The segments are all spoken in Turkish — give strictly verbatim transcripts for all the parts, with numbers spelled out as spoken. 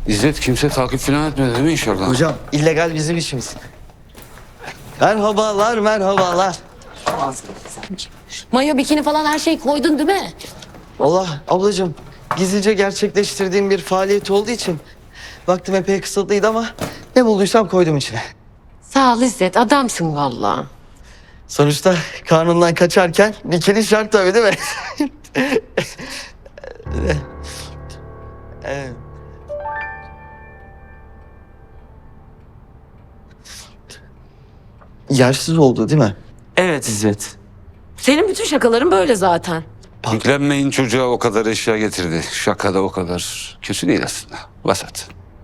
İzzet kimse takip falan etmedi değil mi inşallah? Hocam illegal bizim işimiz. Merhabalar, merhabalar. Mayo, bikini falan her şeyi koydun değil mi? Allah ablacığım, gizlice gerçekleştirdiğim bir faaliyet olduğu için vaktim epey kısıtlıydı ama ne bulduysam koydum içine. Sağ ol İzzet, adamsın vallahi. Sonuçta karnından kaçarken bikini şart tabii değil mi? Evet. Yersiz oldu değil mi? Evet İzzet. Senin bütün şakaların böyle zaten. Yüklenmeyin, çocuğa o kadar eşya getirdi. Şaka da o kadar kötü değil aslında. Vasat.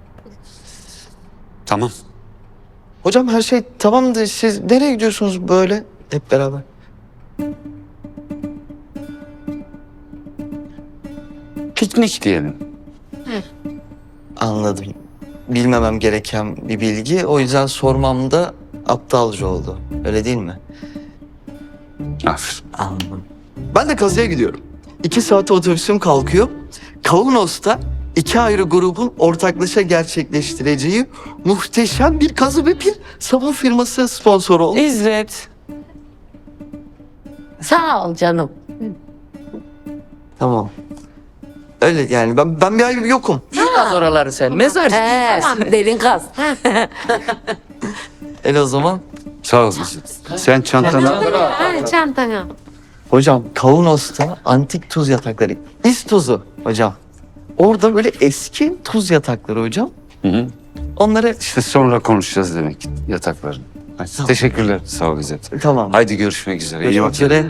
Tamam. Hocam her şey tamamdı. Siz nereye gidiyorsunuz böyle hep beraber? Piknik diyelim. Anladım. Bilmemem gereken bir bilgi. O yüzden sormam da aptalca oldu. Öyle değil mi? Aferin. Anladım. Ben de kazıya gidiyorum. İki saate otobüsüm kalkıyor. Kaunos'ta iki ayrı grubun ortaklaşa gerçekleştireceği muhteşem bir kazı ve bir sabun firması sponsor oldu. İzzet. Sağ ol canım. Tamam. Öyle yani ben ben bir ay yokum. Kaz oraları sen. Mezar. He, tamam, derin kaz. El o zaman. Sağ ol İzzet. Sen çantanı al. Ha, çantana. Hocam Kaunos'ta antik tuz yatakları. İz tuzu hocam. Orada böyle eski tuz yatakları hocam. Hı hı. Onları İşte sonra konuşacağız demek yatakların. Hadi, teşekkürler. Sağ ol İzzet. tamam. Haydi görüşmek üzere. İyi Görüşmek bak. üzere.